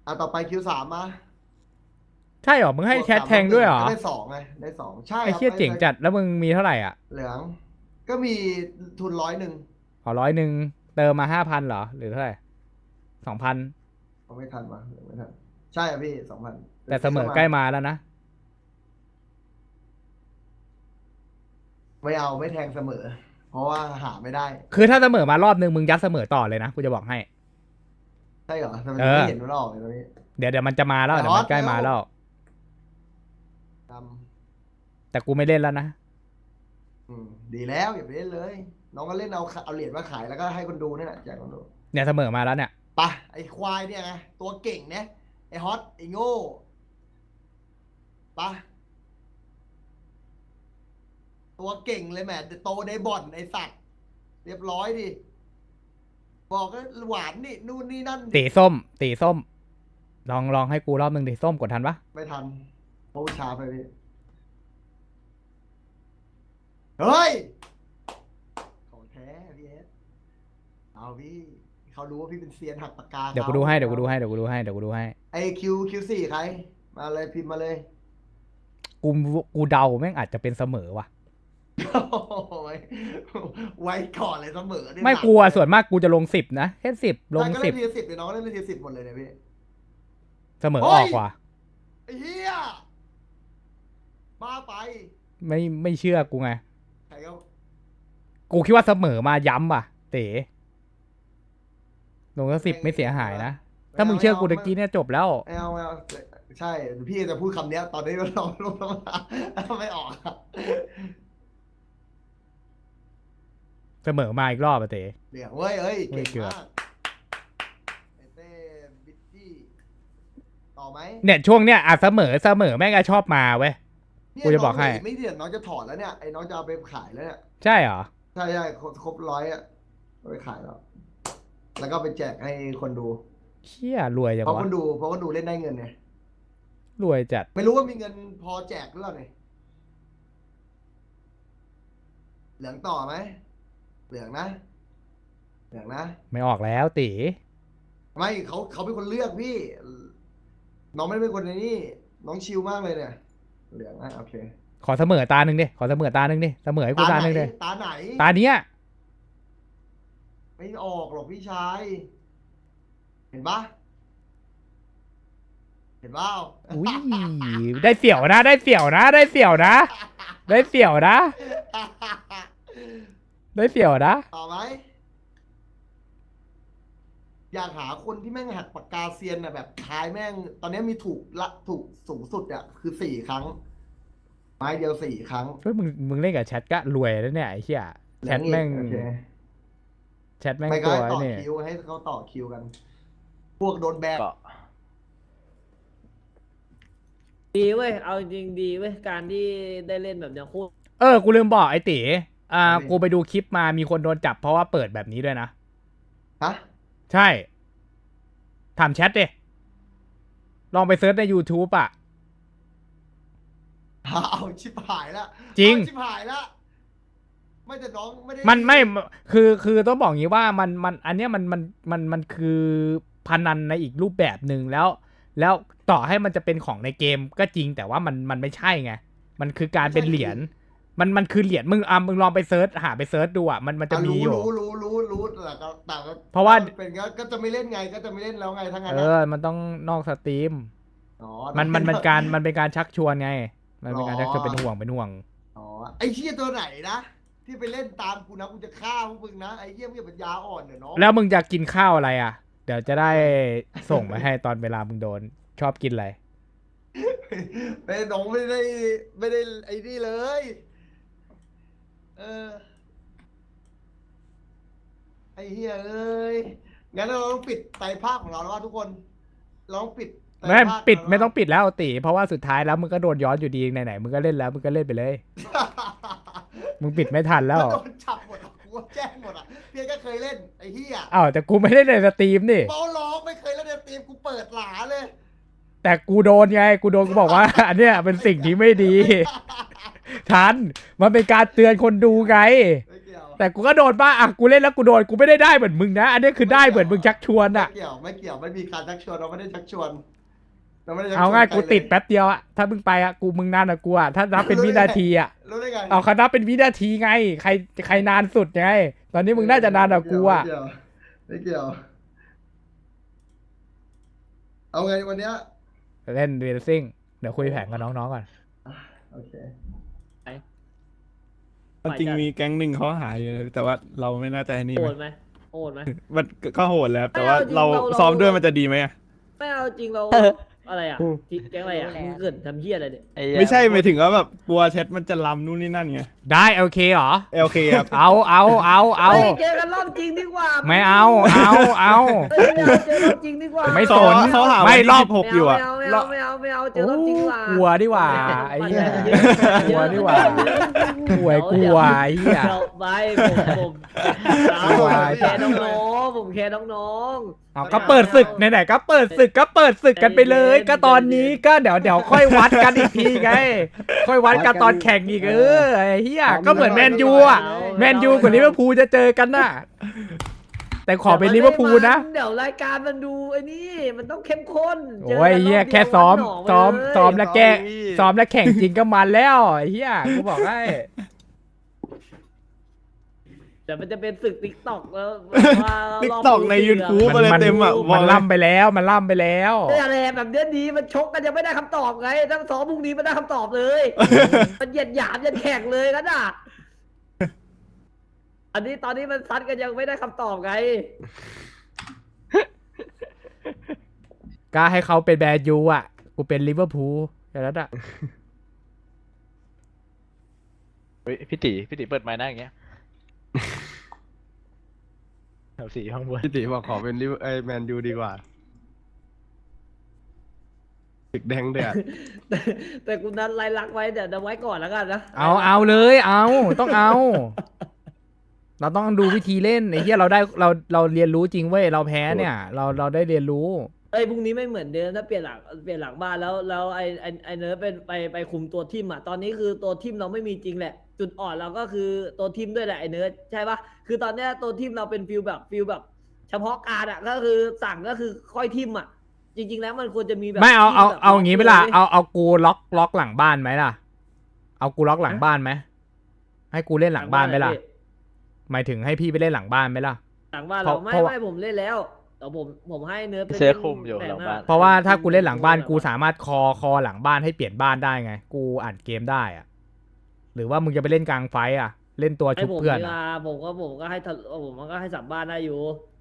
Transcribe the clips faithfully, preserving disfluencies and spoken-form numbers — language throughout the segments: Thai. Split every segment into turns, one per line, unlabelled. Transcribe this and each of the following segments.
อ่ะต่อไปคิวสามมา
ใช่เหรอมึงให้แชทแทงด้วยเหรอ
ได้สองไงได้สองใช่
ไอ้
ครับ
เชี่ยเจ๋งจัดแล้วมึงมีเท่าไหร่อ่ะ
เหลืองก็มีทุนร้อยหนึ่ง
ขอร้อยหนึ่งเติมมาห้าพันเหรอหรือเท่าไหร่สองพัน
เอาไม่ทันวะไม่ทันใช่อ่ะพี่สองพัน
แต่เสมอใกล้มาแล้วนะ
ไม่เอาไม่แทงเสมอเพราะว่าหาไม่ได้
คือถ้าเสมอมารอบนึงมึงยัดเสมอต่อเลยนะกูจะบอกให้
ใช่เหรอทำไม
เออ
ถึงไม่เห็นมันออกเลยตรงนี้
เดี๋ยวเดี๋ยวมันจะมาแล้ว
แต่ฮอต
เดี๋ยวมันใกล้มาแล้ว
ด
แต่กูไม่เล่นแล้วนะ
ำอืมดีแล้วอย่าไปเล่นเลยน้องก็เล่นเอาเอาเหรียญมาขายแล้วก็ให้คนดูนี่แหละแจกคนดู
เนี่ยเสมอมาแล้วเนี่ย
ไปะไอ้ควายเนี่ยไงตัวเก่งเนี่ยไอ้ฮอตไอ้โง่ไปะตัวเก่งเลยแหมแต่โตในบ่อนไอ้สัตว์เรียบร้อยดิบอกก็หวานนี่นู่นนี่นั่นดิ
ตีส้มตีส้มลองลองให้กูรอบนึงดิส้มกดทันปะ
ไม่ทันโอ้ช้าไปพี่เฮ้ยของแท้พี่เอสเอาพี่เขารู้ว่าพี่เป็นเซียนหักปากกา
เดี๋ยวกูดูให้เดี๋ยวกูดูให้เดี๋ยวกูดูให้เดี๋ยวกูดูให้
ไอคิวคิวสี่ใครมาเลยพิมพ์มาเลย
กูกูเดาแม่งอาจจะเป็นเสมอว่ะ
ไว้ไว้ก่อนเลยเสมอเนี่ย
ไม่กลัวส่วนมากกูจะลงสิบนะแค่สิบลง
ใช่ก็
สิ
เล่
บ
นทีสิบเลยน้องก็เล่นทีสิบหมดเลยเนี่ยพี่
เสมออ
เฮ้ย
อกว่ะ
ไอ้เหี้ยบ้าไป
ไม่ไม่เชื่อกูไง
ใครก็
กูคิดว่าเสมอมาย้ำว่ะเต๋ลงก็สิบไม่เสียหายนะถ้ามึงเชื่อกูตะกี้เนี่ยจบแล้ว
ไม่เอาไม่เอาใช่พี่จะพูดคำเนี้ยตอนนี้เราลงมาไม่ออกอะ
เสมอมาอีกรอบอะเต๋
เดี๋ยวเว้ยเอ้ยเก่ง
เกือบ
มากไอเต้บิตตี้ต่อไหม
เนี่ยช่วงเนี้ยอ่ะเสมอเสมอแม่งก็ชอบมาเว้ย
เนี่ย
กูจะบอกให้
น้งไม่เดี๋ยวน้องจะถอดแล้วเนี่ยไอ้น้องจะเอาไปขายแล้วเนี่ย
ใช่เหรอ
ใช่ใช่ครบร้อยอ่ะเอาไปขายแล้ว แล้วก็ไปแจกให้คนดู
เชี่ยรวยจัง
เพราะค
วะ
นดูเพราะคนดูเล่นได้เงินไง
รวยจัด
ไม่รู้ว่ามีเงินพอแจกหรือเปล่าเนี่ยเหลืองต่อไหมเหลืองนะเหลืองนะ
ไม่ออกแล้วตี
ไม่เขาเขาเป็นคนเลือกพี่ น้องไม่ได้เป็นคนในนี่น้องชิลมากเลยเนี่ย เหลืองนะโอเค
ขอเสมอตาหนึ่งดิขอเสมอตาหนึ่งดิเสมอให้กูตาหนึ่งดิ
ตาไหน
ตาเนี้ย
ไม่ออกหรอกพี่ชาย เห็นปะเห็นเปล่า
อุ้ยได้เสี่ยวนะ ได้เสี่ยวนะ ได้เสี่ยวนะ ได้เสี่ยวนะ ได้เสี่ยวนะ
ต่อไหมอยากหาคนที่แม่งหักปากกาเซียนอ่ะแบบท้ายแม่ง ตอนนี้มีถูกละถูกสูงสุดอ่ะคือสี่ครั้ง ไม้เดียวสี่ครั้ง
เฮ้ยมึงมึงเล่นกับแชทก็รวยแล้วเนี่ยไอ้เหี้ยแชทแม่ง
โอเค
แชทแม่ง
ไม่ก็
ตัว
ให้ต่อ
เนี่ย
คิวให้เขาต่อคิวกัน พวกโดนแบน
ก็
ดีเว้ย เอาจริงๆดีเว้ย การที่ได้เล่นแบบเนี้ยโคตร
เออกูลืมบอกไอ้ตีอ่ากูไปดูคลิปมามีคนโดนจับเพราะว่าเปิดแบบนี้ด้วยนะ
ฮะ
ใช่ถามแชทดิลองไปเซิร์ชใน YouTube อ่ะ
เอาชิบหายละ
จริง
เอาชิบหายละไม่แต่น้องไม่ได้
มันไม่คือคือต้องบอกงี้ว่ามันมันอันเนี้ยมันมันมันมันคือพนันในอีกรูปแบบหนึ่งแล้ว แล้วต่อให้มันจะเป็นของในเกมก็จริงแต่ว่ามันมันไม่ใช่ไงมันคือการเป็นเหรียญมันมันคือเหรียญมึงอ่ะมึงลองไปเซิร์ชหาไปเซิร์ชดูอ่ะมันมันจะมีอยู่
รู้รู้รู้รู้แต่ก็แต่ก็
เพราะว่า
เป็นก็ก็จะไม่เล่นไงก็จะไม่เล่นแล้วไงทั้งนั้น
เอ
นะ
อมันต้องนอกสตรีม
อ๋อ
มันมันมันการมันเป็นการชักชวนไง มันเป็นการ
อ๋อ
ชักชวนเป็นห่วงเป็นห่วง
อ๋อไอ้เชี่ยตัวไหนนะที่ไปเล่นตามกูนะกูจะฆ่าพวกมึงนะไอ้เหี้ยมึงอย่าปัญญาอ่อนเดี๋ยวน้อง
แล้วมึงจะกินข้าวอะไรอ่ะ เดี๋ยวจะได้ส่งมาให้ตอนเวลามึงโดนชอบกินอะไร
ไม่น้องไม่ได้ไม่ได้ไอ้นี่เลย เออไอ้เหี้ยเอ้ยงั้นเราต้องปิดไตรภาคของเราแล้วว่าทุกคนเราต้องปิดไตร
ไม่
ภาค
ปิด
แล้ว
ไม่ต้องปิดแล้วตีเพราะว่าสุดท้ายแล้วมึงก็โดนย้อนอยู่ดีไหนๆมึงก็เล่นแล้วมึงก็เล่นไปเลย มึงปิดไม่ทันแล้ว
มันโดนจับหมดอ่ะกูว่าแจ้งหมดอ่ะเพียงก็เคยเล่นไอ้เหี้ย
อ้าวแต่กูไม่ได้ในสตรีมนี่
เมาล้อกไม่เคยเล่นในทีมกูเปิดหลาเลย
แต่กูโดนไงกูโดนกูบอกว่า อันเนี้ยเป็นสิ่งที่ไม่ดี ทันมันเป็นการเตือนคนดูไง
ไม่เกี่ยว
แต่กูก็โดนบ้าอ่ะกูเล่นแล้วกูโดนกูไม่ได้ได้เหมือนมึงนะอันนี้คือได้เหมือนมึงชักชวน
ไม่
อ่ะ
เกี่ยวไม่เกี่ยวไม่มีการชักชวนเราไม่ได้ชักชวนเราไม่ได้ชักชวน
เอาง่าย
ใคร
กูติด
เลย
แป๊บเดียวอ่ะถ้ามึงไปอ่ะกูมึงนานอ่ะกูอ่ะถ้านับเป็นวินาทีอ่ะ
รู้ได้ไง
เอาคณะเป็นวินาทีไงใครใครนานสุดไงตอนนี้มึงน่าจะนานกว่ากูอ่ะ
ไม่เกี่ยวไม่เกี่ยว เอาไงวันเนี้ย
เล่นเรซิ่งเดี๋ยวคุยแผนกับน้องๆก่อน
โอเค
จริงมีแก๊งหนึ่งเขาหายอยู่แต่ว่าเราไม่น่าจะให้นี่
โห
ไหม
ดไหมโหดไหม
มันก็โหดแล้ว แต่ว่า
ไม่
เรา
เอาจริงเรา
ซ้อมด้วยมันจะดีไหมอะ
ไม่เอาจริงเราอะไรอ่ะที่แก๊งอะไรอ่ะมึงเกิดทำเหี้ยอะไรเนี่ย
ไม่ใช่หมายถึงว่าแบบกลัวเช็ดมันจะลำนู่นนี่นั่นไง
ได้โอเคเหรอ
เอลเคครับ
เอาเอาเอาเอา
ฮ้ยเจอกันรอบจริงดีกว่า
ไม่เอาเอาเอา
เฮ้ยไม่เอาเจอรอบจริงดีกว่า
ไม่
เขาเขาหา
ไม่
วัน
ร
ที่
อบ
สิบหกอยู่อะ
ไม่เอาไม่เอาไม่เอาไม่เอาเจอรอบจริงดีกว่า
กลัวดีกว่าไอ้เหี้ยกลัวดีกว่า ป่วยกลัวไอ้เหี้ย
เดี๋ยวไปผมผมผม
กลัว
แค่น้องๆผมแค่น้อง
เอาก็เปิดศึกไหนๆก็เปิดศึกก็เปิดศึกกันไปเลย ก็ตอนนี้ก็เดี๋ยวเดี๋ยวค่อยวัดกันอีกทีไง ค่อยวัดกันตอนแข่งอีกเออไอ้เหี้ยก็เหมือนแมนยูอ่ะแมนยูกับลิเวอร์พูลจะเจอกันน่ะ แต่
ๆ
ขอเป็นลิเวอร์พูลนะ
เดี๋ยวรายการมันดูไอ้นี่มันต้องเข้มข้น
โอ้ยเหี้ยแค่ซ้อมซ้อมซ้อมแล้วแกซ้อมแล้วแข่งจริงก็มันแล้วไอ้เหี้ยกูบอกให้
แต่มันจะเป็นศึกติ๊กต็อกแล้วว่า
ติ๊ก
รบ
ตอกใน
รู้
ยูทูบ
มัน
อะไร
มัน
เต็มอ่ะบ
มั
อก
น
เลย
ล่ำไปแล้วมันล่ำไปแล้ว
เรื่องอะไรแบบเนี้ยดีมันชกกันยังไม่ได้คำตอบไงถ้าซ้อมพรุ่งนี้ไม่ได้คำตอบเลย มันเหยียดหยามยันแข่งเลยกันอ่ะอันนี้ตอนนี้มันซัดกันยังไม่ได้คำตอบไง
ก็ให้เขาเป็นแบนยูอ่ะกูเป็นลิเวอร์พูลอย่างนั้นอ่ะ
เฮ้ยพี่ตีพี่ตีเปิดไมค์นะอย่างเงี้ย แถวสี่ข้างบน
พี่ติบอกขอเป็นลิเวอร์ไอแมนยูดีกว่าตึกแดงเดือด
แต่แต่กูนัดไล่ลักไว้เดี๋ยวเดี๋ยวไว้ก่อนแล้วกันนะ
เอาเอาเลยเอาต้องเอา เราต้องดูวิธีเล่นไอ้เหี้ยเราได้เราเราเรียนรู้จริงเว้ยเราแพ้เนี่ย เราเราได้เรียนรู้
เอ้ยพรุ่งนี้ไม่เหมือนเดิมถ้าเปลี่ยนหลังเปลี่ยนหลังบ้านแล้วแล้วไอไอไอเนิร์ดเป็นไปไปคุมตัวทีมอ่ะตอนนี้คือตัวทีมเราไม่มีจริงแหละ จุดอ่อนเราก็คือตัวทีมด้วยแหละไอเนิร์ดใช่ปะคือตอนเนี้ยตัวทีมเราเป็นฟิลแบบฟิลแบบ เฉพาะการอ่ะก็คือสั่งก็คือค่อยทีมอ่ะ จริง ๆ แล้วมันควรจะมีแบบ
ไม่เอาเอา
ทีแบบ
เอาอย่างงี้ไปละ
ว้ย
เอาเอากูล็อกล็อกหลังบ้านไหมล่ะ เอากูล็อกหลังบ้านไหมให้กูเล่นหลังบ้านไหมล่ะ หมายถึงให้พี่ไปเล่นหลังบ้านไหมล่ะ
หลังบ้าน
เพ
เรา
ราะ
ไม่
เพราะว่า
ไม่ผมเล่นแล้วแต่ผมผมให้เนิร์ดไป
เสื้อ
ล่น
คลุมอยู่
แผ
หลัง
น้
บ้าน
เพราะว่าถ้ากูเล่นหลังบ้านกูสามารถคอคอหลังบ้านให้เปลี่ยนบ้านได้ไง กูอ่านเกมได้อะหรือว่ามึงจะไปเล่นกลางไฟต์อ่ะ เล่นตัว
ให้
ชุบ
ผม
เพื่อน
ดีก
อะ
ว่าผมก็ผมก็ให้ทะผมก็ให้สัมบ้านได้อยู่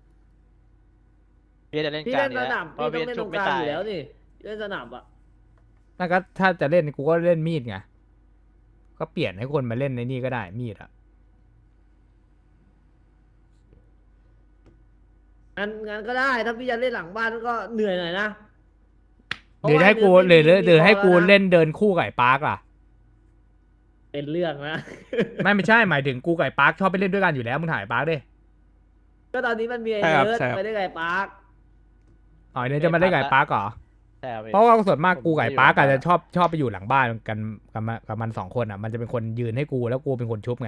พี่จะเล่น
พี่
กลาง
เล่นส
นี่
นาม
เพราะ
พี่
พี่
ต้องเล่นตรง
ชุบไม่
กลาง
ตา
อย ยู่แล้วนี่เล่นสนามอ่ะ
นั่นก็ถ้าจะเล่นกูก็เล่นมีดไง ก็เปลี่ยนให้คนมาเล่นในนี่ก็ได้มีดอ่ะ
งั้นงั้นก็ได้ถ้าพี่จะเล่นหลังบ้านก็เหนื่อยหน่อยนะ
หรือให้กูหรือหรือหรือให้กูเล่นเดินคู่กับไอ้ปาร์กล่ะ
เป็นเรื่องนะ
ไม่ไม่ใช่หมายถึงกูกับไอ้ปาร์คชอบไปเล่นด้วยกันอยู่แล้วมึงถ่ายปาร์คดิ
ก็ตอนนี้มันมีไอ้
ใช่ครับ
เนิร์ด
ใช่ครับ
ไปได้ไงปาร์ค
อ๋อเนี่ยจะมาเล่นกับไอ้ปาร์คเหรอ
ใช่ครับพี่
เพราะว่าส่วนมากกูกับไอ้ปาร์ค
ผมไม่อยู่
อาจจะชอบชอบไปอยู่หลังบ้านกันกับมันกับมันสองคนอ่ะมันจะเป็นคนยืนให้กูแล้วกูเป็นคนชุบไง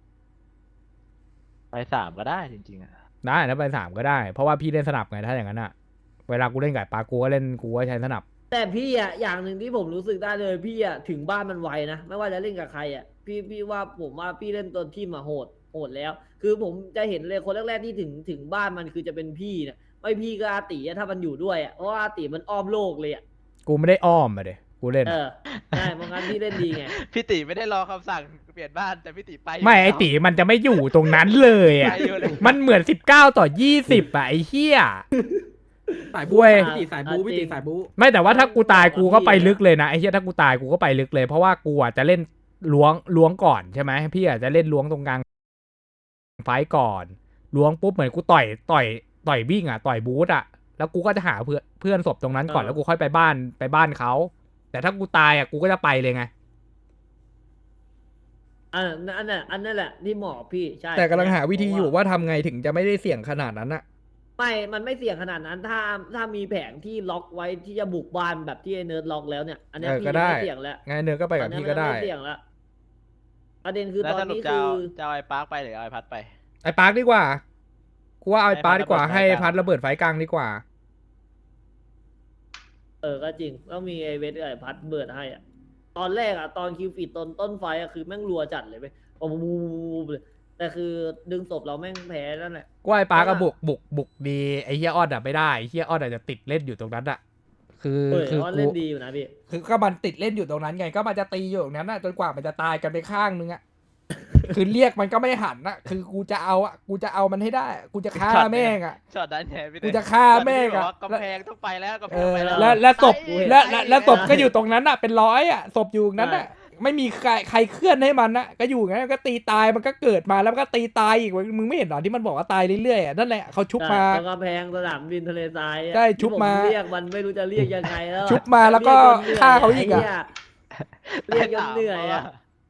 ไปสามก็ได้จริงๆอ่ะ
ได้นะไปสามก็ได้เพราะว่าพี่เล่นสนับไงถ้าอย่างนั้นอ่ะเวลากูเล่นกับไอ้ปาร์คกูก็เล่นกูก็ใช้สนับ
แต่พี่อ่ะอย่างหนึ่งที่ผมรู้สึกได้เลยพี่อ่ะถึงบ้านมันไวนะไม่ว่าจะเล่นกับใครอ่ะพี่พี่ว่าผมว่าพี่เล่นตัวทีมมาโหดโหดแล้ว คือผมจะเห็นเลยคนแรกๆที่ถึงถึงบ้านมันคือจะเป็นพี่เนี่ยไม่พี่ก็อาติอะถ้ามันอยู่ด้วยอ่ะเพราะว่าอาติมันอ้อมโลกเลยอ่ะ
กูไม่ได้อ้อมมาเดยกูเล่น
เอ
อะ
อใช่เพราะงั้นพี่เล่นดีไง
พี่ตีไม่ได้รอคำสั่งเปลี่ยนบ้านแต่พี่ตีไป
ไม่ไอตีมันจะไม่อยู่ตรงนั้นเลยอ่ะ
ไปอยู่เลย
มันเหมือนสิบเก้าต่อยี่สิบอ่ะไอ้เหี้ย
สาย
เว้
บู๊
ย
พี่ตีสายบู๊พี่ตีสายบู๊
ไม่แต่ว่าถ้ากูตายกูก็ไปลึกเลยนะไอ้เหี้ยถ้ากูตายกูก็ไปลึกเลย เพราะว่ากูอ่ะจะเล่นล้วงล้วงก่อนใช่ไหมพี่อาจจะเล่นล้วงตรงกลางไฟต์ก่อนล้วงปุ๊บเหมือนกูต่อยต่อยต่อยวิ่งอ่ะต่อยบูทอ่ะแล้วกูก็จะหาเพื่อนเพื่อนศพตรงนั้นก่อน
เออ
แล้วกูค่อยไปบ้านไปบ้านเขาแต่ถ้ากูตายอ่ะกูก็จะไปเลยไง
อันนั้นอันนั้นอันนั้นแหละที่เหมาะกับพี่ใช่
แต่กำลังหาวิธีอยู่
ผม
ว่าทำไงถึงจะไม่ได้เสี่ยงขนาดนั้นอะ
ไม่ มันไม่เสี่ยงขนาดนั้น ถ้าถ้ามีแผงที่ล็อกไว้ที่จะบุกบ้านแบบที่ไอ้เนิร์ดล็อกแล้วเนี่ย อันเนี้ย
เออ
พี่
ก็ได้
ไม่เสี่ยงแล้ว
ไงเนื้อก็ไปกับ
อันเนี้ย
พี่ก็ได้
มันม่เสี่ยงแล้วประเด็นคือ
แล้ว
ตอน
สรุป
นี้
จะ
คื
เอา
อ
จะเอาไอ้ปาร์คไปหรือเอาไอ้พัดไป
ไอ้ปาร์คดีกว่ากูว่าเอาไอ้ปาร์คดีกว่า
ให้
ให้
พัดระเบิดไฟกลาง
พัดระเบิดไฟกลางดีกว่า
เออก็จริงต้องมีไอเวทกับไอพัดเบิดให้อ่ะตอนแรกอ่ะตอนคิวฟีดต้นต้นไฟอ่ะคือแม่งรัวจัดเลยไปโอ้โหเลยแต่คือดึงศพเราแม่งแพ้นั่นแหละ
กูว่าไอ้ปาร์ค
เพ
ก็
ราะว่า
บุกบุกบุกดีไอ้เฮียออดอะไม่ได้ไอ้เฮียออดอาจจะติดเล่นอยู่ตรงนั้นอะคือ
เออ
คือ
ว่า
กู
เล่นดีอยู่นะพี่
คือก็มันติดเล่นอยู่ตรงนั้นไงก็มันจะตีอยู่ตรงนั้นอะจนกว่ามันจะตายกันไปข้างนึงอะ คือเรียกมันก็ไม่หันอะคือกูจะเอาอะกูจะเอามันให้ได้ กูจะฆ่า
ช็อตเนี่ย
แม่งอะ
ช็อตนั้นไงพี่
กูจะฆ่าแม่ง
ช็
อะ
อตที่บอกว่ากำแพงต้องไปแล้วกำแพ
เองอ
ไปแล้ว
แล้วแล้วศพ
ไป
แล้ว
ไป
แล้วแล้วศพก็อยู่ตรงนั้นอะเป็นร้อยอะศพอยู่ตรงนั้นอะไม่มีใครใครเคลื่อนให้มันนะก็อยู่งั้นก็ตีตายมันก็เกิดมาแล้วมันก็ตีตายอีกมึงไม่เห็นหรอที่มันบอกว่าตายเรื่อยๆอะนั่นแหละเขาชุบมา
ตรงกำแพงสนามบินทะเลทรายอะ
ใช่ชุบมา
ที่ผเรียกมันไม่รู้จะเรียกยังไงแล้วอะ
ชุบมาแล้วก็
รียจนหนื่ย
ฆ่าเขาอีกอะ
ไเหี้ยเรียกจนเหนื่อยอะ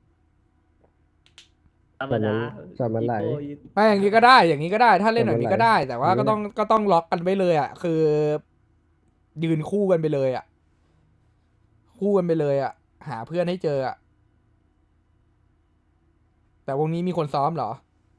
ธรรมดา
จำมันไหล
อีโก้อี
ไม่อย่างนี้ก็ได้อย่างนี้ก็ได้ ถ้าเล่นแบบนี้ก็ได้ แต่ว่า
ไม่
ก็
เป็นไร
ต้องก็ต้องล็อกกันไปเลยอ่ะคือ ยืนคู่กันไปเลยอ่ะคู่กันไปเลยอ่ะหาเพื่อนให้เจออ่ะแต่วงนี้มีคนซ้อมเหรอ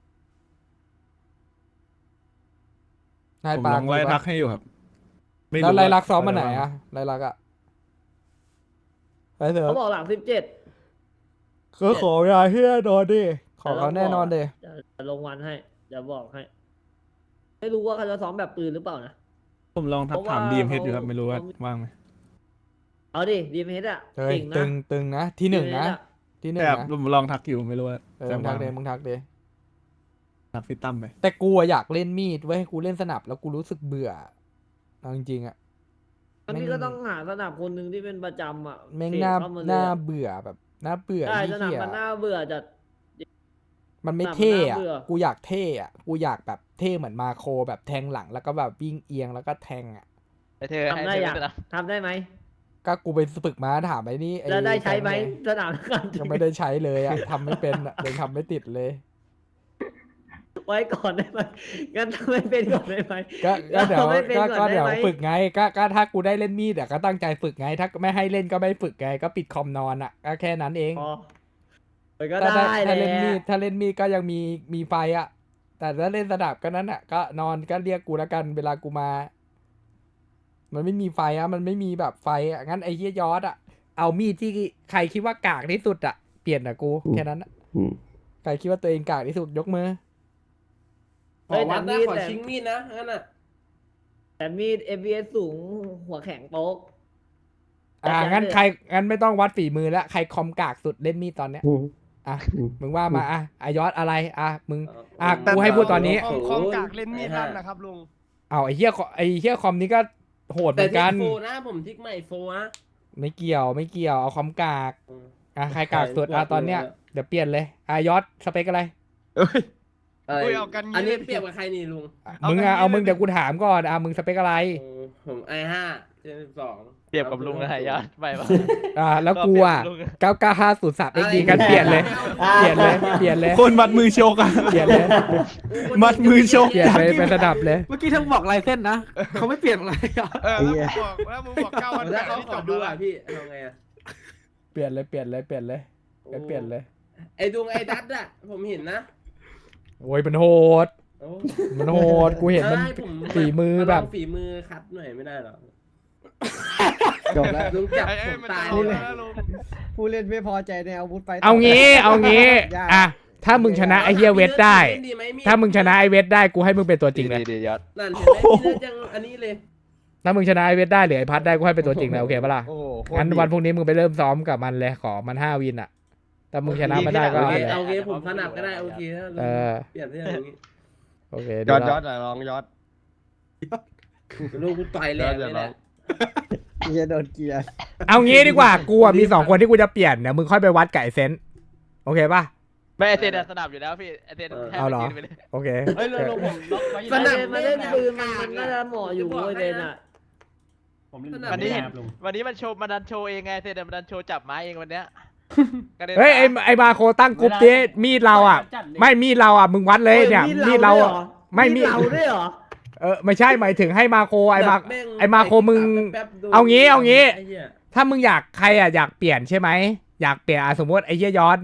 นาย
ผม
ปา
ล
ก
องไล่ทักให้อยู่ครับม่
แล้ว
รู้
ไร
ว่า
ลักซ้อมมาไหน
ป
อ่ะไรลักอ่ะไรเถ
เขา
อะ
บอกหลังสิบเจ็ด
ก็ขอยาเฮียนอนดิขอเขาแน่นอนดิ
จะลงวันให้เดี๋ยวบอกให้ ไม่รู้ว่าเขาจะซ้อมแบบปืนหรือเปล่านะ
ผมลองทัก
เพราะว่า
ถามดีมเฮดอยู่ครับ
เขา
ไม่รู้ว่า
เขา
ว่างไหม
เอาดิดีเมสอะ
เฮ้ย
เก่งนะ
ตึงตึงนะที่หนึ่งนะ
ดีเมสอะ
ที่หนึ่ง
แต่
นะ
ผมลองทักอยู่ไม่รู้ว่า
เออ
จะ
มึงทั
ว่าก ง
เด
ไหม
มึงทักเด
ทักพี่ตั้มไป
แต่กูอะอยากเล่นมีดไว้ยให้กูเล่นสนับแล้วกูรู้สึกเบื่อเอาจริงๆอะ
อันนี้
แม่ง
ก็ต้องหาสนับคนหนึ่งที่เป็นประจำอ่ะ
แม่ง
เสก
หน้า
เข้มเลย
หน้า
อะ
เบื่อแบบหน้าเบื่อ
ใช่
ไอ้
สนับ
เหี้ย
มันน่าเบื่อจัด
มันไม่
สนับ
เท่
มันน่า
อะ
เบื่อ
กูอยากเท่อะกูอยากแบบเท่เหมือนมาโคแบบแทงหลังแล้วก็แบบวิ่งเอียงแล้วก็แทงอะ
ให้เธอให้
ทำได้
เธอ
ยัง
เป็นอะ
ทำได้ไหม
ก็กูไปฝึกมาถามไอ้นี่อ้
แล้วได้ใช้ไหม
แฟน
สนามกัน
งยังไม่ได้ใช้เลยอะทำไม่เป็นอะเลยทำไม่ติดเลย
ไว้ก่อนได้ไหมงั้นทำไม่เป็นก่อนได้ไหม
ก็ก็เดี๋ยว
ไม่เป็น
ก็
ก่อน
ก็
ได้
เดี๋ยว
ไหม
ฝึกไงก็ก็ถ้ากูได้เล่นมีดอะก็ตั้งใจฝึกไง ถ้าไม่ให้เล่นก็ไม่ฝึกไงก็ปิดคอมนอนอะก็แค่นั้นเอง
พอมันก็
ถ้า
ได้
ถ้า
แหละ
เล่นมีดถ้าเล่นมีดก็ยังมีมีไฟอ่ะ แต่ถ้าเล่นสนับก็นั้นอ่ะ ก็นอนก็เรียกกูแล้วกันเวลากูมา มันไม่มีไฟอ่ะมันไม่มีแบบไฟอ่ะงั้นไอ้เหี้ยยอดอ่ะเอามีดที่ใครคิดว่ากากที่สุดอ่ะเปลี่ยนอ่ะกูแค่นั้นอะ
อืม
ใครคิดว่าตัวเองกากที่สุดยกมือ
เฮ้ยแต่มีดแต่
มีดนะงั้นอ่ะ
แต่มีด เอ บี เอส สูงหัวแข็งโป๊ก
อ่า
แต่
งั้น
แต่
ใครงั้นไม่ต้องวัดฝีมือแล้วใครคอมกากสุดเล่นมีดตอนเนี้ย
อืม
อ่ะ
อืม
มึงว่ามาอ่ะอายอดอะไรอ่ะมึง อ่ะ
แต่
กูให้พูดตอนนี้
คอมคอมกากเล่นมีดลั่นนะครับลุง
เอาไอ้เหี้ยไอ้เหี้ยคอมนี้ก็โหดเหมือนกัน
นะผมทิกใหม่โฟนะ
ไม่เกี่ยวไม่เกี่ยวเอาคอมกาก อ่ะใครกากสุดอ่ะตอนเนี้ยเดี๋ยวเปลี่ยนเลยอ่ะยอดสเปคอะไร
เอ้ย
อะไร
อุ้ยเอากันงี้
อันนี้
เลย
เปรียบกับใครนี่ลุง
อ่ะ
เอา
มึง
กัน
อ่ะ
นี้
เอามึง
เลย
เดี๋ยวกูถามก่อนอ่ะมึงสเปคอะไร
ผมไอห้าเจนสิบสอง
เปรียบกับลุงนะฮะยอดไปปะ
อ่าแล้วกูอ่ะ
ก็เปรียบกับลุง
เก้าเก้าห้าศูนย์สามเอ็กดีกันเปลี่ยนเลยเปลี่ยนเลยเปลี่ยนเลย
คนมัดมือชกอ่ะ
เปลี่ยนเลย
มัดมือชก
เปลี่ยนไปเป็นระดับเลย
เมื่อกี้ทั้งบอกลายเส้นนะ เขาไม่เปลี่ยนอะไรอ่ะ
เออแล้วมึงบอกแล้วมึงบอกเก้าวันแป
ถ้า
ด
เขา
นี่
ข
จ
อบ ดู
แล้ว
อ่ะพี่ทำไงอ่ะ
เปลี่ยนเลยเปลี่ยนเลยเปลี่ยนเลยงั้นเปลี่ยนเลย
ไอดวงไอดัตอ่ะผมเห็นนะ
โอ้ยมันโหด
โอ้
มันโหดกูเห็นมัน
ใช่ผ
ฝีมือแบบ
าลงฝีมือคัดหน่อยไม่ได้หรอ
จบแล้ว
ลุงจับ
ไอ้
ผ
ไอ้
ม
มัน
ตาย
จะ
เล
เอา
ย
แล้วลุง
ผู้เล่นไม่พอใจในอาวุธไฟ
เอางี้เอางี้
ยาก
อ่ะถ้ามึงชนะไอเฮียเวทได้
เล่นไห
ถ้ามึงชนะไอเวทได้กูให้มึงเป็นตัวจริงเลย
ดีดียอด
นั่นเห็นไหมพี่เลือดยังอันนี้เลย
ถ้ามึงชนะไอเวทได้หรือไอพัดได้กูให้เป็นตัวจริงเลยโอเคปะล่ะ
โอ้โหโคตร
งั้น
ดี
วันพรุ่งนี้มึงไปเริ่มซ้อมกับมันเลยขอมันห้าวินอ่ะถ้ามึงชนะมาได้ก็
โอ
เอา
เค
ไปเลย
โอเคผมสนับก็ได้โอเคถ้าลุง
เออ
เปลี่ยนเรื่องอย่างนี้
โอเค
ย
เดี๋
อ
ยว
ดย
เรา
อดอ่ะลองยอด
ลูกกูต่อยแรงเลยแหละ
เหี้ยโดนเกียร์
เอางี้ดีกว่ากูอ่ะมีสองคนที่กูจะเปลี่ยนเนี่ยมึงค่อยไปวัดไก่เซนต์โอเคป่ะ
ไม่ไอเซนอะสนับอยู่แล้วพี่ไอเซนแค่
เอาเหรอ
ยืนไปเลย
โอเค
เฮ้ยลุงลุงผมล็อกไว้อยู่
สนับ
มาเล่นปืนมันมันน่าจะเหมาะอยู่เว้ยเดนอ่ะ
ผมเล่น
วันนี้
ครับลุง
วันนี้มันโชว์มันดันโชว์เองไงเซนมันดันโชว์จับไม้เองวันเนี้ยกระด็น
เฮ้ยไอไอมาโคตั้งกรุ๊ปดิมีดเราอ่ะ ไม่มีดเราอ่ะมึงวัดเลยเนี่ยมีดเราอ่ะ ไม่มี
มีเราด้วยเหรอ
เออไม่ใช่หมายถึงให้มาโคไอมา
แม่ง
ไอมาโคมึง
แป๊บๆโดน
เอางี้เอางี้
ไเหี้ย
ถ้ามึงอยากใครอ่ะอยากเปลี่ยนใช่ไหมอยากเปลี่ยนอ่ะสมมติไอเยี่ยยอดเนี่ย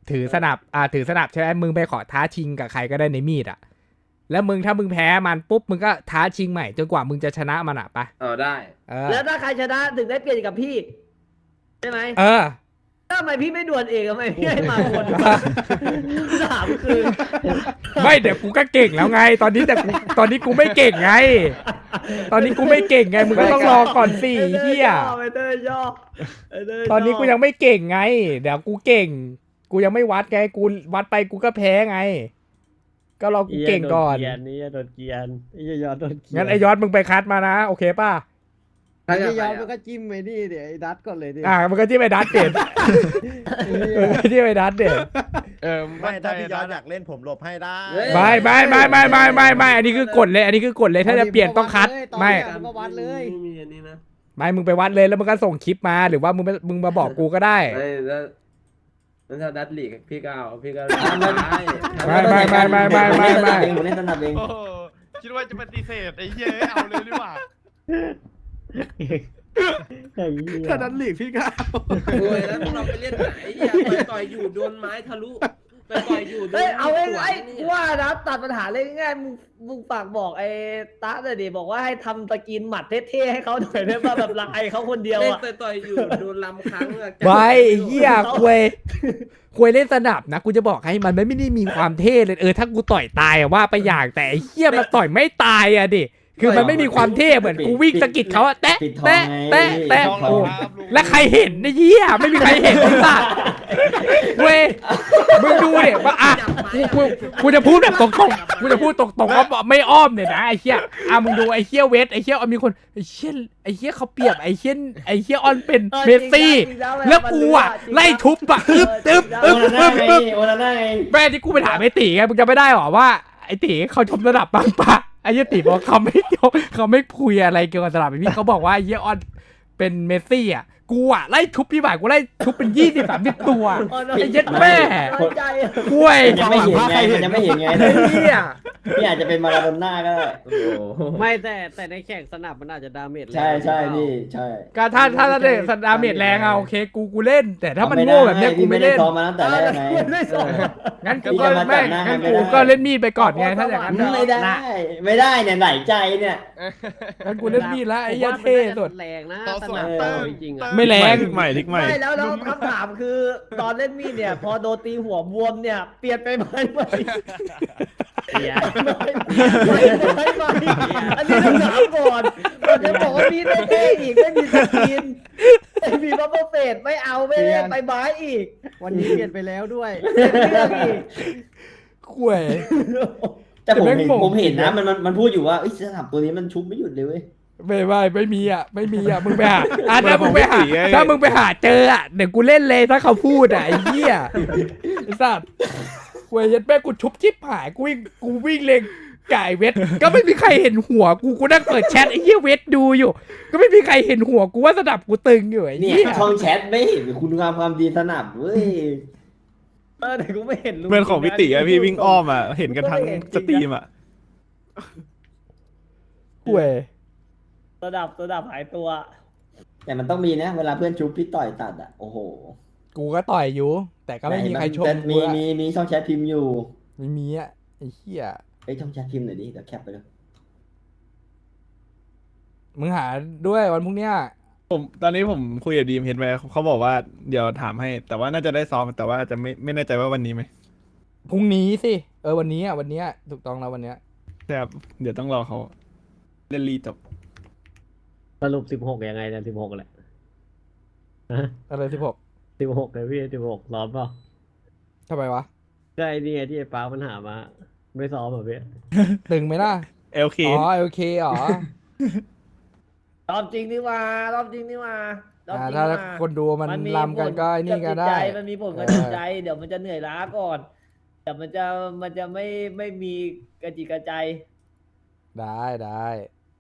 ถือสนับอ่าถือสนับใช่ไหมมึงไปขอท้าชิงกับใครก็ได้ในมีดอ่ะแล้วมึงถ้ามึงแพ้มันปุ๊บมึงก็ท้าชิงใหม่จนกว่ามึงจะชนะมันอ่ะปะ
เออได้
เออ
แล้วถ้าใครชนะถึงได้เปลี่ยนกับพี่ใช่ไหม
เออ
ทำไมพี่ไม่ด่วนเองทำไมพี่ให้มาคนสามคือ
ไม่เดี๋ยวกูก็เก่งแล้วไง ตอนนี้แต่กูตอนนี้กูไม่เก่งไง ตอนนี้กูไม่เก่งไงมึงก็ต้องรอก่อนสิเฮีย
ไปเตอร์ย่อไปเตร์ย่
ตอนนี้กูยังไม่เก่งไง เดี๋ยวกูเก่ง กูยังไม่วัดไงกูวัดไปกูก็แพ้ไง ก็รอกูเก่งก่อน
เกียนนี่โดนเกียนไอ้ยอดโดนเกียน
งั้นไอยอดมึงไปคัดมานะโอเคป่ะ
ไอ้ยอดมันก็จิ้มไอ้นี่เดี๋ยวไอ้ดัตก่อนเลยดิ
อ่ามันก็ที่ไปดัดเด็ดมันก็ที่ไปดัดเด็ด
เออ
ไม่ถ้าพี่ยอดอยากเล่นผมหลบให้ได้
ไม่ไม่ไม่ไม่ไม่ไม่ไม่อันนี้คือกฎเลย อันนี้คือกฎเลยถ้าจะเปลี่ยนต้องคัดไม่
มันก็วัดเลย
ไม่มีอันนี้นะ
ไม่มึงไปวัดเลยแล้วมึงก็ส่งคลิปมาหรือว่ามึงมึงมาบอกกูก็ได้
ไม่แล้วแล้วถ้าดัตลีกพี่ก็เอาพี่ก็
ไม่ไม่ไม่ไม่ไม่ไม่ไม่
ผมเล่นสนับเอง
โอ้โหคิดว่าจะปฏิเสธไอ้เหี้ยเอาเลยดีกว่า
ถ้านั้นหลีกพี่ก็เอา
โอ้ยแล้วพวกเราไปเล่นไหนเนี่ยไปต่อยอยู่โดนไม้ทะลุไปต่อยอยู่โดน
เฮ้ยเอา
ไม้
ไอ้
สว
ไอ้
นเนี่ย
ว่านะตัดปัญหาเลยง่ายๆมึงมึงฝากบอกไอ้ตาเลยดิบอกว่าให้ทำตะกินหมัดเท่ๆให้เขาหน่อยได้ป่ะแบบลายเขาคนเดียว
เล่น
อ่ะ
ต่อยต่อยอยู่โดนลำครั้งอะ
ไม่ไอ้เหี้ยควยควยเล่นสนับนะกูจะบอกให้มันไม่ได้มีความเท่เลยเออถ้ากูต่อยตายอะว่าไปอย่างแต่ไอ้เหี้ยมันต่อยไม่ตายอะดิคือมันไม่มีความเท่เหมือนกูวิ่งสะกิดเขาอะแตะแตะแตะแตะ
ช่อง
โอ้
เราครับลุง
แล้วใครเห็นไอ้เหี้ยไม่มีใครเห็นไอ้สัสเว้ยมึงดูเนี่ยว่าอ่ะกูกูกูจะพูดแบบตรงๆกูจะพูดตรงๆว่าไม่อ้อมเนี่ยนะไอ้เหี้ยอ่ะมึงดูไอ้เหี้ยเวทไอ้เหี้ยเอามีคนไอ้เหี้ยไอ้เหี้ยเขาเปรียบไอ้เหี้ยไอ้เหี้ยออนเป็นเมสซี่แล้วกูอ่ะไล่ทุบอ่ะอึ๊บอึ๊บอึ๊บอึ๊บอึ๊บ
โอนาน่าไง
แม่ที่กูไปถามไอ้ตีไงมึงจะไม่ได้หรอว่าไอ้ตีเขาชมระดับบ้างปะไอ้เหี้ยตีบอกเขาไม่เขาไม่คุยอะไรเกี่ยวกับระดับไอ้พี่เขาบอกว่าไอ้เหี้ยออนเป็นเมสซี่อ่ะกูอ่ะไล่ทุบพี่บ่ายกูไล่ทุบเป็นยี่สิบสามสิบตัวไอ้เหี้ยแม่
น้อยใจอะ
กล้วย
ยังไม่เห็นไงมันยังไม่เห็นไง
ไอ้เหี้ย
พี่อาจจะเป็นมาราโดน่าก็ได้
โอ้โห
ไม่แต่แต่ในแข่งสนับมันอาจจะดาเมจ
ใช่ใช่พี่ใช่
ก็ถ้าถ้าถ้าเด็กสดาเมจแรงอะโอเคกูกูเล่น แต่ถ้ามันโง่แบบเนี้ยกูไม่เล่น
ซ้อมมาตั้งแต่แรกไง
ไม่สน
งั้นกู
พี่
ก็
จะมา
ไม่
จับหน้า
งั้น
ให้ไม่
กู
ได้
ก็เล่นมีดไปก่อนไงถ้าอย่างนั้น
ไม่ได้ ไม่ได้เนี่ยไหนใจเนี่ย
งั้นกูเล่นมีดแล้วไอ้เหี้ยเท่สุด
แรงนะ
ต่อสวน
ส
เติ
นับ
ม
จริงๆอ่ะ
ไม่แรง
ทิกใหม่ทิกใหม่
ไม่แล้วแล้วคำถามคือตอนเล่นมีดเนี่ย พอโดนตีหัวบวมเนี่ยเปลี่ยนไปไหมไหม
เสีย
ไม่ไม่ไม่ไม่อันนี้ต้องถามก่อนก่อนจะบอกว่ามีดไม่เท่อีกไม่มีสกินไม่มีบัฟเฟอร์เฟสไม่เอาไม่เล่นไปไม้อีก
วันนี้เปลี่ยนไปแล้วด้วย
เปลี่ยนเรื่องอีก
กล้วย
แต่ผม
แต่
เห็น
แม่งโง่
ผมเห็นนะมันมันมันพูดอยู่ว่าเอ้ยสนับตัวนี้มันชุบไม่หยุดเลยเว้ย
ไม่ไม่ไม่มีอ่ะไม่มีอ่ะมึงไปหาอ่ะ
เปิด
ถ้ามึงไปหา
ของพี่ตีไง
ถ้ามึงไปหาเจออ่ะเดี๋ยวกูเล่นเลยถ้าเขาพูดอ่ะไอ้เหี้ยไอ้สัสกล้วยยัดแม่กูชุบชิบหายกูวิ่งกูวิ่งเลงไก่เวทก็ไม่มีใครเห็นหัวกูกูนั่งเปิดแชทไอ้เหี้ยเวทดูอยู่ ก็ไม่มีใครเห็นหัวกูว่าสนับกูตึงอยู่ไอ้
เนี่ย
เหี้ย
ช่องแชทไม่เห็นคุณงามความดีสนับเว้ย
เออแต่กูไม่เห็นลุง
เพื่อนของพี่ติอะพี่วิ่งอ้อมอะเห็นกันทั้งสตรีมอะ
กล้วย
ระดับระดับหายตัว
แต่มันต้องมีนะเวลาเพื่อนชุบพี่ต่อยตัดอ่ะโอ้โห
กูก็ต่อยอยู่ แต่ก็ไม่มีใครชม
แต่
กู
มี
อะ
มีมีช่องแชทพิมพ์อยู่
ไม่มีอ่ะไอ้เหี้ย
ไอ้ยช่องแชทพิมพ์หน่อยดิเดี๋ยวแคปไปเลย
มึงหาด้วยวันพรุ่งเนี้ย
ผมตอนนี้ผมคุยกับดีมเห็นไหมเขาบอกว่าเดี๋ยวถามให้ แต่ว่าน่าจะได้ซ้อมแต่ว่าจะไม่ไม่แน่ใจว่าวันนี้ไหม
พรุ่งนี้สิเออวันนี้อ่ะวันเนี้ยถูกต้องแล้ววันเนี้ย
แต่เดี๋ยวต้องรอเขาเล่นรีจบ
สรุปสิบหกยังไงเนี่ยสิบหกแหละ
อะไรที่ผม
สิบหกเลยพี่สิบหกซ้อมเปล่า
ทำไมวะ
ใช่นี่ไงที่ไอ้ป้ามันหามา ไม่ซ้อมเหรอพี่
ตึงไหมล่ะ
เอลเค
อ๋อโอเคอ๋อ
รอบจริงนี่ว่ารอบจริงนี่ว่ารอบ
อ่า
จริง
ถ้า
นี่ว่า
คนดูมัน
มี
ลำกันก็ไอ้นี่
ผล
ก็
บจิต
ได้
ใจมันมีผลกับ
เออ
จิตใจ เดี๋ยวมันจะเหนื่อยล้าก่อนเดี๋ยวมันจะมันจะไม่ไม่มีกระจิตกระใจ
ได้ได้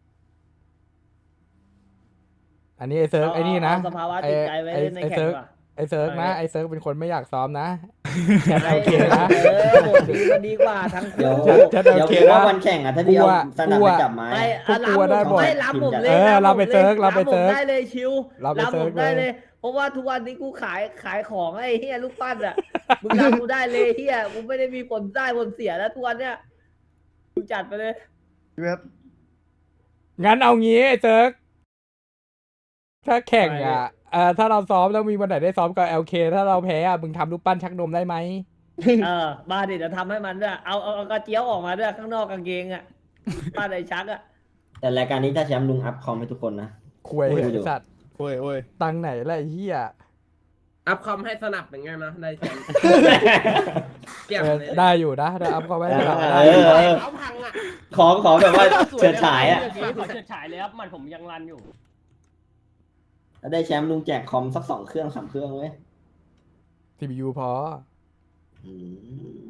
อันนี้ไอเซิร์ก
เอา
ไอนี่นะ
เอาสภาวะจิตใจไว้
อ้
เล่นใน
ไอ
แข่ง
เซิร์ก
ว่ะ
ไอเซิร์กนะไอเซิร์กเป็นคนไม่อยากซ้อมนะแค่
ไอ้
โอเคนะ
เออโหดีมันดีกว่าทั้ง
เดี๋ยว
คู่
จะ
เดี๋ยว
โอเค
คือว่า
นะ
วันแข่งอ่ะถ้าพี่เอา
กลัว
สนับ
กลัว
ไปจับไม้
ไม่
พวกกลัวได้หมด
ไม่รับผมเลย
เออเราไปเซิร์ฟเราไป
ผม
เซิร์ฟ
ได้เลยชิว
เราไป
รับ
เซิ
ผ
ร์ฟ
มได้
เล
เลย ยเพราะว่าทุกวันนี้กูขายขายของไอ้เฮียลูกปั้นอ่ะมึงรับกูได้เลยเฮียกูไม่ได้มีผลได้ผลเสียแล้วทุกวันเนี้ยมึงจัดไปเลย
พี่เว็บ
งั้นเอางี้ไอ้เซิร์กถ้าแข่งอ่ะเอ่อถ้าเราซ้อมแล้วมีวันไหนได้ซ้อมกับ แอล เค ถ้าเราแพ้อ่ะมึงทำรูปปั้นชักนมได้ไหม
เออมาดิจะทำให้มันด้วยเอาเอาเอากระเจียวออกมาด้วยข้างนอกกางเกงอ่ะป้าไอ้ชักอ่ะ
แต่รายการนี้ถ้าแชมป์ลุงอัพคอมให้ทุกคนนะ
คุย
โอ้ย
ไอ้สัตว์
โอ้ยโอ้ย
ตังค์ไหนล่ะไอ้เหี้ย
อัพคอมให้สนับเป็นไงนะได้แชมป์เกี่ยง
เออ
เลย
ได้อยู่นะได้อัพเขาไว้ให้เรา
เอ
ได้
อ
อยู่
เออ
เอาพังอ่ะ
ขอขอแบบว่าเฉิดฉายอ่ะ
ขอเฉิดฉายเลยครับมันผมยังรันอยู่
ถ้าได้แชมป์ลุงแจกคอมสักสองเครื่องสามเครื่องเว้ย
ที พี ยู พอ
อืม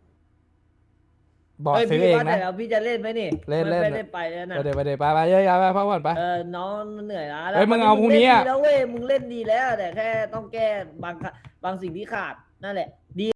บอก
เฮ้ย
ซื้อ
พี่
เอง
ว่าแต่
นะ
แล้วพี่จะเล่นไหมนี่
เล่นเล่น
ไม่ได้ไปแล้วนะ
ไปเดี๋ยวไปเดี๋ยวไปไปเยอะๆไปพักผ่อนไป
เออน้องเหนื่อยล้า
เฮ้ยมึงเอาพรุ่งนี้อะ
เล่ดีแล้วเว้ยมึงเล่นดีแล้วแต่แค่ต้องแก้บางบางสิ่งที่ขาดนั่นแหละดี